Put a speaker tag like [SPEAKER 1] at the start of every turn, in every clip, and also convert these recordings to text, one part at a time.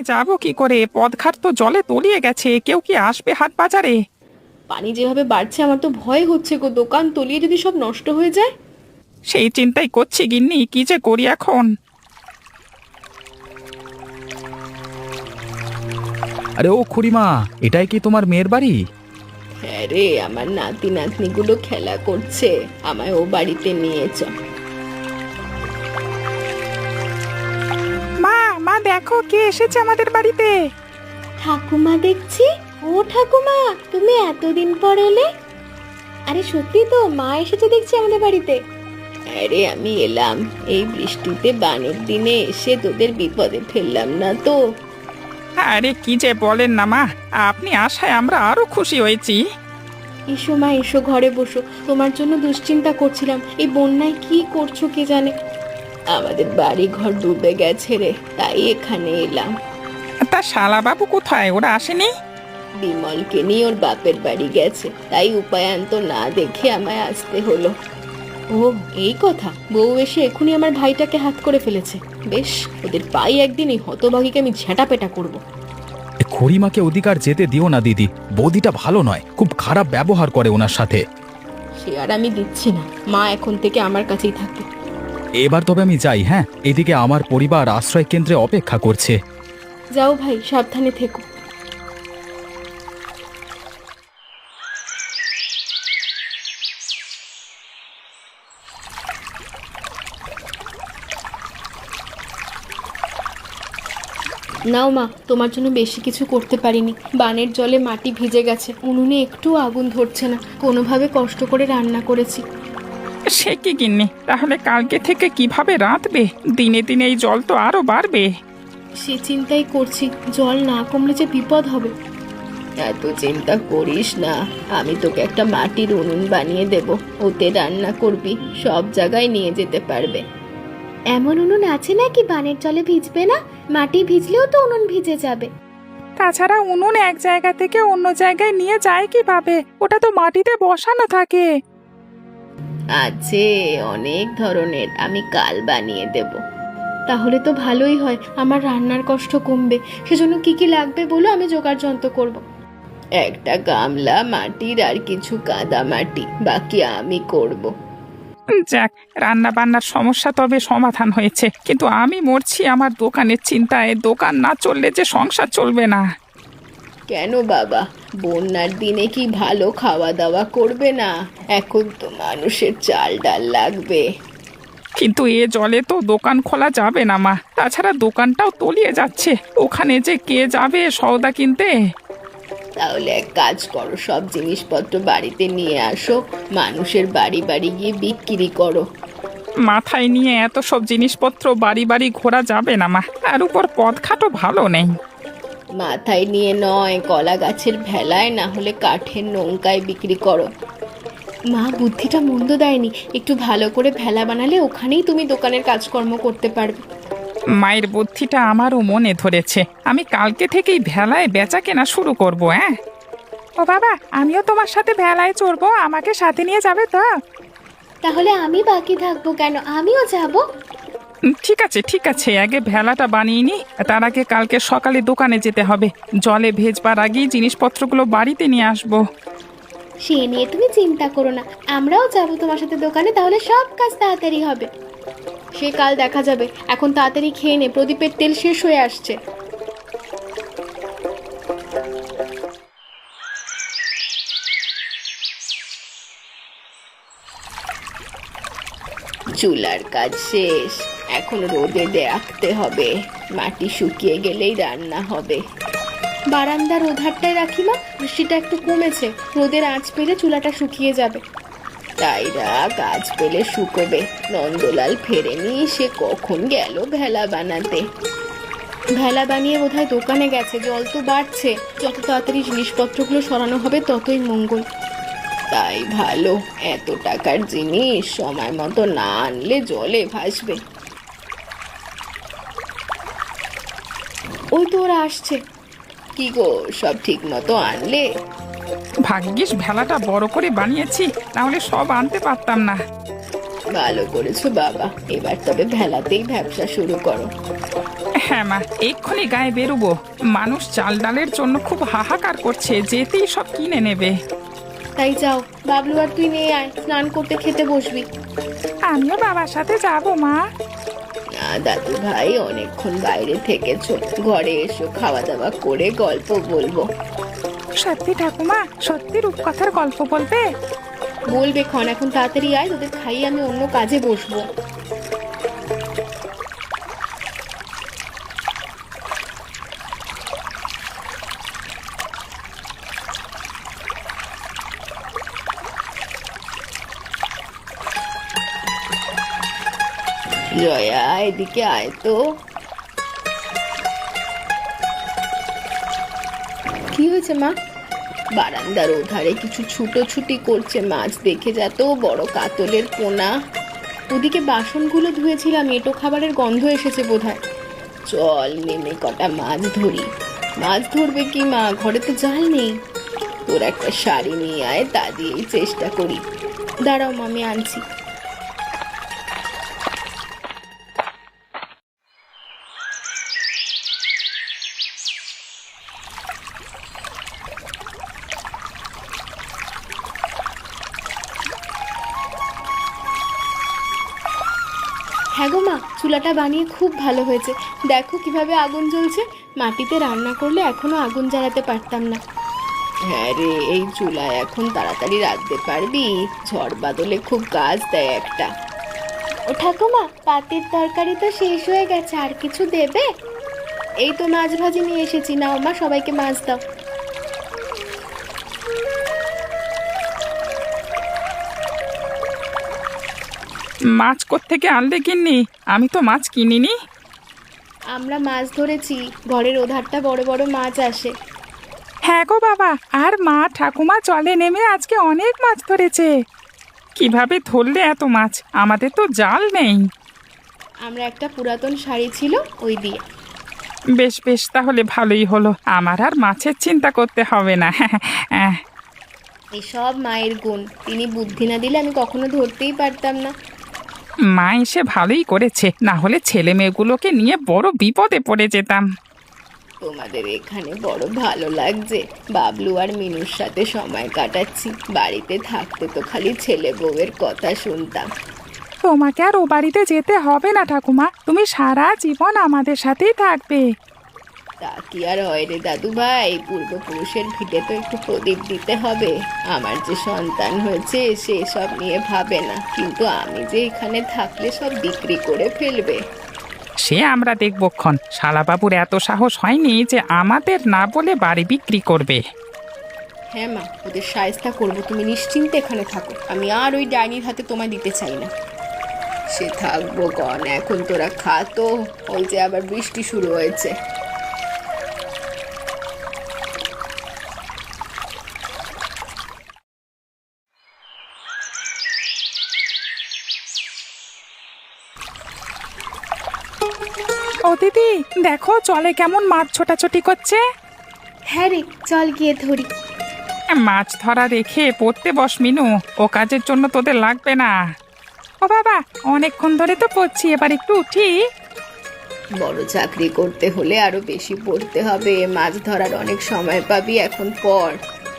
[SPEAKER 1] যাব কি করে? পথঘাট তো জলে তলিয়ে গেছে, কেউ কি আসবে হাট বাজারে?
[SPEAKER 2] পানি যেভাবে বাড়ছে আমার তো ভয় হচ্ছে গো, দোকান তলিয়ে যদি সব নষ্ট হয়ে যায়।
[SPEAKER 1] সেই চিন্তাই করছি গিন্নি, কি যে করি এখন।
[SPEAKER 3] আরে ও খুড়িমা, এটাই কি তোমার মেয়ের বাড়ি?
[SPEAKER 2] হ্যাঁ রে, আমার নাতি নাতনিগুলো খেলা করছে, আমায় ও বাড়িতে নিয়ে চ।
[SPEAKER 1] মা মা দেখো কে এসেছে আমাদের বাড়িতে।
[SPEAKER 2] ঠাকুমা দেখছি। ও ঠাকুমা, তুমি এতদিন পর এলে? আরে সত্যি তো, মা এসেছে দেখছি আমাদের বাড়িতে। আরে আমি এলাম এই বৃষ্টিতে, বানের দিনে এসে তোদের বিপদে ফেললাম না তো?
[SPEAKER 1] আরে কি যে বলেন না মা, আপনি আসায় আমরা আরো খুশি হয়েছি।
[SPEAKER 2] এসো মা এসো, ঘরে বসো, তোমার জন্য দুশ্চিন্তা করছিলাম। এই বন্যায় কি করছো কে জানে। আমাদের বাড়ি ঘর ডুবে গেছে রে, তাই এখানে এলাম।
[SPEAKER 1] তা শালা বাবু কোথায়? ওরা আসেনি?
[SPEAKER 2] বিমলকে নিয়ে ওর বাপের বাড়ি গেছে, তাই উপায়ান্ত না দেখে আমায় আসতে হলো। ও এই কথা, বউ এসে এখনই আমার ভাইটাকে হাত করে ফেলেছে। বেশ, ওদের পাই একদিন এই হতভাগীকে আমি ঝেঁটাপেটা করব।
[SPEAKER 3] এ খুড়িমাকে অধিকার যেতে দিও না দিদি, বৌদিটা ভালো নয়, খুব খারাপ ব্যবহার করে ওনার সাথে।
[SPEAKER 2] সে আর আমি দিচ্ছি না, মা এখন থেকে আমার কাছেই থাকবে।
[SPEAKER 3] এবার তবে আমি যাই, হ্যাঁ? এদিকে আমার পরিবার আশ্রয় কেন্দ্রে অপেক্ষা করছে।
[SPEAKER 2] যাও ভাই, সাবধানে থেকো। নাও মা, তোমার জন্য বেশি কিছু করতে পারিনি, বানের জলে মাটি ভিজে গেছে, উনুনে একটু আগুন ধরছে না, কোনোভাবে কষ্ট করে রান্না করেছি।
[SPEAKER 1] সে কি গিন্নি, তাহলে কালকে থেকে কিভাবে রাঁধবে? দিনে দিনে এই জল তো আরো বাড়বে।
[SPEAKER 2] সে চিন্তাই করছি, জল না কমলে যে বিপদ হবে। এত চিন্তা করিস না, আমি তোকে একটা মাটির উনুন বানিয়ে দেব, ওতে রান্না করবি, সব জায়গায় নিয়ে যেতে পারবে। এমন উনুন আছে নাকি বানের জলে ভিজবে না? মাটি ভিজলেও তো উনুন ভিজে যাবে।
[SPEAKER 1] তাছাড়া উনুন এক জায়গা থেকে অন্য জায়গায় নিয়ে যায় কিভাবে? ওটা তো মাটিতে বসানো থাকে।
[SPEAKER 2] আছে অনেক ধরনের, আমি কাল বানিয়ে দেব। তাহলে তো ভালোই হয়, আমার রান্নার কষ্ট কমবে। সেজন্য কি কি লাগবে বলো, আমি জোগাড় যন্ত্র করব। একটা গামলা মাটির আর কিছু কাদা মাটি, বাকি আমি করব।
[SPEAKER 1] যাক, রান্না বান্নার সমস্যা তবে সমাধান হয়েছে, কিন্তু আমি মরছি আমার দোকানের চিন্তায়। দোকান না চললে যে সংসার চলবে না।
[SPEAKER 2] কেন বাবা, বন্যার দিনে কি ভালো খাওয়া দাওয়া করবে না? এখন তো মানুষের চাল ডাল লাগবে।
[SPEAKER 1] কিন্তু এ জলে তো দোকান খোলা যাবে না মা, তাছাড়া দোকানটাও তলিয়ে যাচ্ছে, ওখানে যে কে যাবে সওদা কিনতে?
[SPEAKER 2] তাহলে এক কাজ করো, সব জিনিসপত্র বাড়িতে নিয়ে আসো, মানুষের বাড়ি বাড়ি গিয়ে বিক্রি করো।
[SPEAKER 1] মাথায় নিয়ে এত সব জিনিসপত্র বাড়ি বাড়ি ঘোরা যাবে না মা, তার উপর পথঘাটও ভালো নেই।
[SPEAKER 2] মাথায় নিয়ে নয়, কলা গাছের ভেলায়, না হলে কাঠের নৌকায় বিক্রি করো। মা বুদ্ধিটা মন্দ দেয়নি, একটু ভালো করে ভেলা বানালে ওখানেই তুমি দোকানের কাজকর্ম করতে পারবে।
[SPEAKER 1] মায়ের বুদ্ধিটা আমারও মনে ধরেছে, আমি কালকে থেকেই ভেলায় বেচা কেনা শুরু করব। হ্যাঁ ও বাবা, আমিও তোমার সাথে ভেলায় চড়বো, আমাকে সাথে নিয়ে যাবে তো?
[SPEAKER 2] তাহলে আমি বাকি থাকবো কেন, আমিও যাব।
[SPEAKER 1] ঠিক আছে ঠিক আছে, আগে ভেলাটা বানিয়ে নি, তার আগে কালকে সকালে দোকানে যেতে হবে। জলে ভেজবার আগেই জিনিসপত্রগুলো বাড়িতে নিয়ে আসবো।
[SPEAKER 2] সে নিয়ে তুমি চিন্তা করো না, আমরাও যাব তোমার সাথে দোকানে, তাহলে সব কাজ তাড়াতাড়ি হবে। সে কাল দেখা যাবে, এখন তাড়াতাড়ি খেয়ে নে, প্রদীপের তেল শেষ হয়ে আসছে। চুলার কাজ শেষ, এখন রোদে রাখতে হবে, মাটি শুকিয়ে গেলেই রান্না হবে। বারান্দার ওধারটায় রাখি মা, বৃষ্টিটা একটু কমেছে, রোদের আঁচ পেলে চুলাটা শুকিয়ে যাবে। তাই রাখ, আঁচ পেলে শুকোবে। নন্দলাল ফেরেনি, সে কখন গেল ভেলা বানাতে। ভেলা বানিয়ে বোধহয় দোকানে গেছে, জল তো বাড়ছে, যত তাড়াতাড়ি জিনিসপত্রগুলো সরানো হবে ততই মঙ্গল। তাই ভালো, এত টাকার জিনিস সময় মতো না আনলে জলে ভাসবে। ওই তো ওরা আসছে। কি গো, সব ঠিক মতো আনলে?
[SPEAKER 1] ভাগ্যিস ভেলাটা বড় করে বানিয়েছি, তাহলে সব আনতে পারতাম না।
[SPEAKER 2] ভালো করেছো বাবা, এবার তবে ভেলাতেই ব্যবসা শুরু করো।
[SPEAKER 1] হ্যাঁ মা, এক্ষুনি গায়ে বেরোবো। মানুষ চাল ডালের জন্য খুব হাহাকার করছে, যেতেই সব কিনে নেবে।
[SPEAKER 2] তাই যাও, বাবলু আর তুই নিয়ে আয়, স্নান করতে খেতে বসবি।
[SPEAKER 1] আমিও বাবার সাথে যাবো মা।
[SPEAKER 2] না দাদু ভাই, অনেকক্ষণ বাইরে থেকেছো, ঘরে এসো, খাওয়া দাওয়া করে গল্প বলবো।
[SPEAKER 1] সত্যি ঠাকুমা, সত্যি রূপকথার গল্প বলবে?
[SPEAKER 2] বলবে ক্ষণ, এখন তাড়াতাড়ি আয়, তোদের খাইয়ে আমি অন্য কাজে বসবো। জয়া, এদিকে আয় তো। কি হয়েছে মা? বারান্দার ওধারে কিছু ছুটোছুটি করছে মাছ, দেখে যা তো, বড় কাতলের পোনা। ওদিকে বাসনগুলো ধুয়েছিলাম, এঁটো খাবারের গন্ধ এসেছে বোধহয়। চল নেমে কটা মাছ ধরি। মাছ ধরবে কি মা, ঘরে তো জাল নেই। তোর একটা শাড়ি নিয়ে আয়, তা দিয়েই চেষ্টা করি। দাঁড়াও মা, আমি আনছি। হ্যাঁ গো মা, চুলাটা বানিয়ে খুব ভালো হয়েছে। দেখো কিভাবে আগুন জ্বলছে। মাটিতে রান্না করলে এখনো আগুন জ্বালাতে পারতাম না। হ্যাঁ রে, এই চুলায় এখন তাড়াতাড়ি রাঁধতে পারবি? ঝড় বাদলে খুব কাজ দেয় একটা। ও ঠাকুমা, পাতের তরকারি তো শেষ হয়ে গেছে, আর কিছু দেবে? এই তো মাছ ভাজি নিয়ে এসেছি, নাও মা, সবাইকে মাছ দাও।
[SPEAKER 1] মাছ কোত্থেকে আনলে গিন্নি? আমি তো মাছ কিনিনি।
[SPEAKER 2] আমরা মাছ ধরেছি, ঘরের ওধারটা বড় বড় মাছ আসে।
[SPEAKER 1] হ্যাঁ গো বাবা, আর মা ঠাকুমা জলে নেমে আজকে অনেক মাছ ধরেছে। কিভাবে ধরলে এত মাছ? আমাদের তো জাল নেই।
[SPEAKER 2] আমরা একটা পুরাতন শাড়ি ছিল, ওই দিয়ে।
[SPEAKER 1] বেশ বেশ, তাহলে ভালোই হলো, আমার আর মাছের চিন্তা করতে হবে না।
[SPEAKER 2] এসব মায়ের গুণ, তিনি বুদ্ধি না দিলে আমি কখনো ধরতেই পারতাম না।
[SPEAKER 1] মা এসে ভালোই করেছে, না হলে ছেলে মেয়েগুলোকে নিয়ে বড় বিপদে পড়ে যেতাম।
[SPEAKER 2] তোমাদের এখানে বড় ভালো লাগছে, বাবলু আর মিনুর সাথে সময় কাটাচ্ছি। বাড়িতে থাকতে তো খালি ছেলে বউয়ের কথা শুনতাম।
[SPEAKER 1] তোমাকে আর ও বাড়িতে যেতে হবে না ঠাকুমা, তুমি সারা জীবন আমাদের সাথেই থাকবে।
[SPEAKER 2] তা কি আর হয় রে দাদু ভাই, পূর্বপুরুষের ভিটে তো একটু প্রদীপ দিতে হবে। আমার যে সন্তান হয়েছে সে সব নিয়ে ভাবে না, কিন্তু আমি যে এখানে থাকলে সব বিক্রি করে ফেলবে।
[SPEAKER 1] সে আমরা দেখবক্ষণ। শালাবাবুর এত সাহস হয়নি যে আমাদের না বলে বাড়ি বিক্রি করবে।
[SPEAKER 2] হ্যাঁ মা, ওদের সায়স্তা করবো, তুমি নিশ্চিন্তে এখানে থাকো। আমি আর ওই ডাইনির হাতে তোমায় দিতে চাই না। সে থাকবো কন, এখন তোরা খা তো, ওই যে আবার বৃষ্টি শুরু হয়েছে।
[SPEAKER 1] ও দিদি, দেখো জলে কেমন মাছ ছোটাছুটি করছে।
[SPEAKER 2] হ্যাঁ রে, চল গিয়ে ধরি।
[SPEAKER 1] মাছ ধরা রেখে পড়তে বস মিনু, ও কাজের জন্য তোদের লাগবে না। ও বাবা, অনেকক্ষণ ধরে তো পড়ছি, এবার একটু উঠি।
[SPEAKER 2] বড় চাকরি করতে হলে আরো বেশি পড়তে হবে, মাছ ধরার অনেক সময় পাবি, এখন পড়।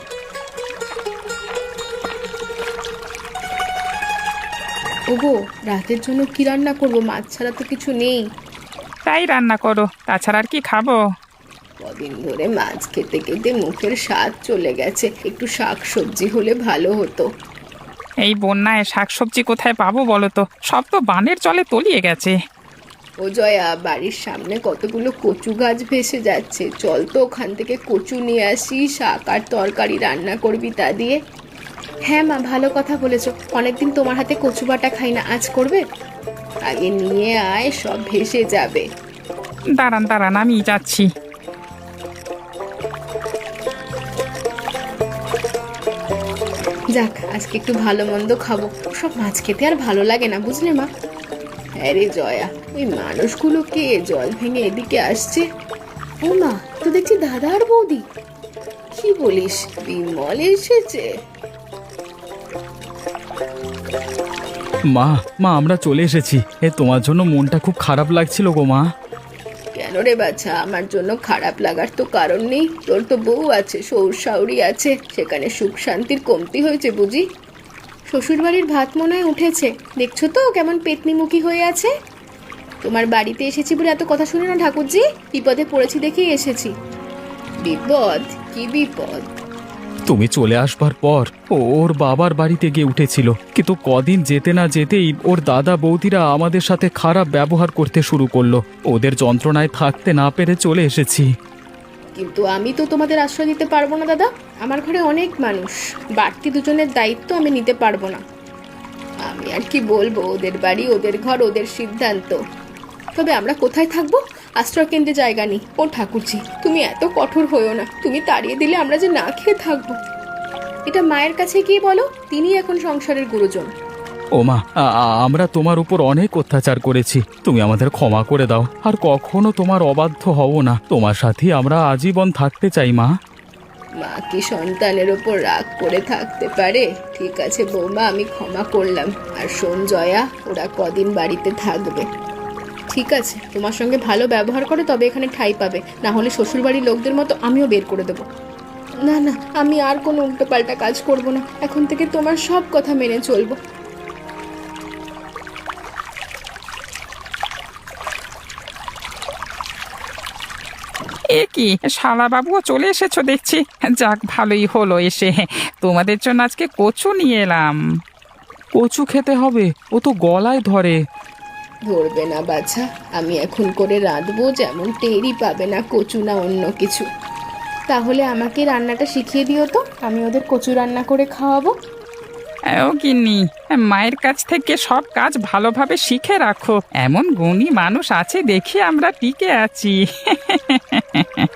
[SPEAKER 2] ওগো, রাতের জন্য কি রান্না করবো? মাছ ছাড়া তো কিছু নেই।
[SPEAKER 1] তাই রান্না করো, তাছাড়া আর কি খাবো?
[SPEAKER 2] কদিন ধরে মাছ খেতে খেতে মুখের স্বাদ চলে গেছে, একটু শাক সবজি হলে ভালো হতো।
[SPEAKER 1] এই বন্যায় শাকসবজি কোথায় পাবো বলো তো? সব তো বানের জলে তলিয়ে গেছে।
[SPEAKER 2] ও জয়া, বাড়ির সামনে কতগুলো কচু গাছ ভেসে যাচ্ছে, চল তো ওখান থেকে কচু নিয়ে আসি, শাক আর তরকারি রান্না করবি তা দিয়ে। হ্যাঁ মা, ভালো কথা বলেছো, অনেকদিন তোমার হাতে কচু বাটা খাই না, আজ করবে? আগে নিয়ে আয়, সব ভেসে যাবে।
[SPEAKER 1] দাঁড়ান দাঁড়ান, আমি যাচ্ছি।
[SPEAKER 2] যাক, আজকে একটু ভালো মন্দ খাবো, সব মাছ খেতে আর ভালো লাগে না, বুঝলে মা? হ্যাঁ রে জয়া, ওই মানুষগুলো কে জল ভেঙে এদিকে আসছে? ও মা, তো দেখছি দাদা আর বৌদি। কি বলিস, বিমল এসেছে?
[SPEAKER 3] মা, মা আমরা চলে এসেছি। তোমার জন্য মনটা খুব খারাপ লাগছিল গো মা।
[SPEAKER 2] কেন রে বাছা, আমার জন্য খারাপ লাগার তো কারণ নেই। তোর তো বউ আছে, শ্বশুর শাশুড়ি আছে, সেখানে সুখ শান্তির কমতি হয়েছে বুঝি? শ্বশুর বাড়ির ভাত মনে হয় উঠেছে, দেখছো তো কেমন পেতনিমুখী হয়ে আছে। তোমার বাড়িতে এসেছি বলে এত কথা শুনে না ঠাকুরজি, বিপদে পড়েছি দেখেই এসেছি। বিপদ? কি বিপদ?
[SPEAKER 3] তুমি চলে আসবার পর ওর বাবার বাড়িতে গিয়ে উঠেছিল, কিন্তু কদিন যেতে না যেতেই ওর দাদা বৌদিরা আমাদের সাথে খারাপ ব্যবহার করতে শুরু করলো। ওদের যন্ত্রণায় থাকতে না পেরে চলে এসেছি।
[SPEAKER 2] কিন্তু আমি তো তোমাদের আশ্রয় দিতে পারবো না দাদা, আমার ঘরে অনেক মানুষ, বাড়তি দুজনের দায়িত্ব আমি নিতে পারবো না। আমি আর কি বলবো, ওদের বাড়ি, ওদের ঘর, ওদের সিদ্ধান্ত। তবে আমরা কোথায় থাকবো? আশ্রয় কেন্দ্রে জায়গা নেই। ও ঠাকুরজি, তুমি এত কঠোর হইও না, তুমি তাড়িয়ে দিলে আমরা যে না খেয়ে থাকবো। এটা মায়ের কাছে গিয়ে বলো, তিনি এখন সংসারের গুরুজন।
[SPEAKER 3] ও মা, আমরা তোমার উপর অনেক অত্যাচার করেছি, তুমি আমাদের ক্ষমা করে দাও। আর কখনো তোমার অবাধ্য হব না, তোমার সাথে আমরা আজীবন থাকতে চাই মা।
[SPEAKER 2] মা কি সন্তানের ওপর রাগ করে থাকতে পারে? ঠিক আছে বৌমা, আমি ক্ষমা করলাম। আর শোন জয়া, ওরা কদিন বাড়িতে থাকবে। ঠিক আছে, তোমার সঙ্গে ভালো ব্যবহার করে তবে এখানে ঠাঁই পাবে, না হলে শ্বশুরবাড়ির লোকদের মতো আমিও বের করে দেবো। না না, আমি আর কোনো উল্টোপাল্টা কাজ করব না, এখন থেকে তোমার সব কথা মেনে চলবো।
[SPEAKER 1] এ কি, শালাবাবুও চলে এসেছো দেখছি। যাক, ভালোই হলো এসে। তোমাদের জন্য আজকে কচু নিয়ে এলাম।
[SPEAKER 3] কচু খেতে হবে, ও তো গলায় ধরে।
[SPEAKER 2] ধরবে না বাছা, আমি এখন করে রাঁধবো, যেমন টেরই পাবে না কচু না অন্য কিছু। তাহলে আমাকে রান্নাটা শিখিয়ে দিও তো, আমি ওদের কচু রান্না করে খাওয়াবো।
[SPEAKER 1] ও গিন্নি, মায়ের কাছ থেকে সব কাজ ভালোভাবে শিখে রাখো। এমন গুণী মানুষ আছে দেখি আমরা টিকে আছি।